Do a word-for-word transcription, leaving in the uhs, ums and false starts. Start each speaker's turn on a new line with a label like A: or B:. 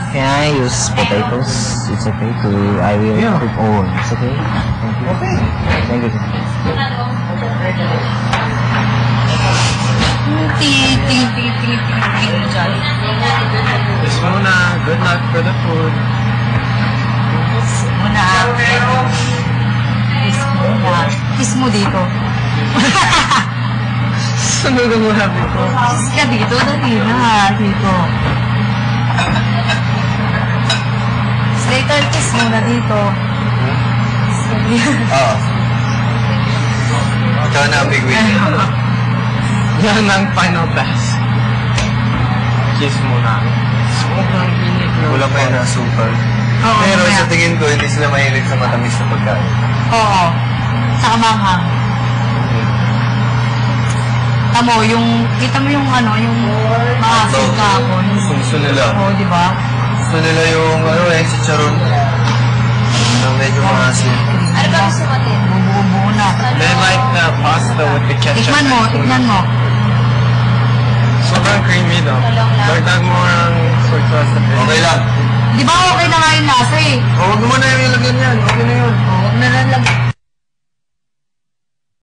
A: Can I use potatoes? It's okay to, I will
B: Yeah.
A: cook all. It's okay? Thank you.
B: Okay.
A: Thank you.
C: Ting, ting, ting, ting, ting, ting, dyan.
B: Kiss muna. Good luck for the food.
C: Muna. Kiss muna. Kiss mo dito.
B: Sunod mo habi ko.
C: Kiss ka dito, dali na. Dito. Later, kiss muna dito.
D: Oo. Ikaw na ang big win.
B: Yan ang final pass. Kiss muna. Sobrang init na.
D: Wala pa yun na super.
C: Oo,
D: Pero
C: mamaya.
D: sa tingin ko, hindi sila mahilig sa matamis na pagkain.
C: Oo. Saka manghang. Tamo, yung, kita mo yung ano, yung mga sugakon.
D: Gusto nila.
C: Oo, di ba?
D: Gusto nila yung, ano eh, si Charon. Na medyo maasin.
C: Ano ba gusto natin? Bubuo-buo na.
B: They like the pasta with the ketchup.
C: Tikman mo, tikman mo.
B: Sobrang creamy daw. Dagdag mo ang soy sauce sa bit.
D: Okay lang.
C: Di ba okay na nga yung lasa eh?
D: O, huwag mo na yung ilagyan yan. Okay na yun.
C: Oo, huwag na lang.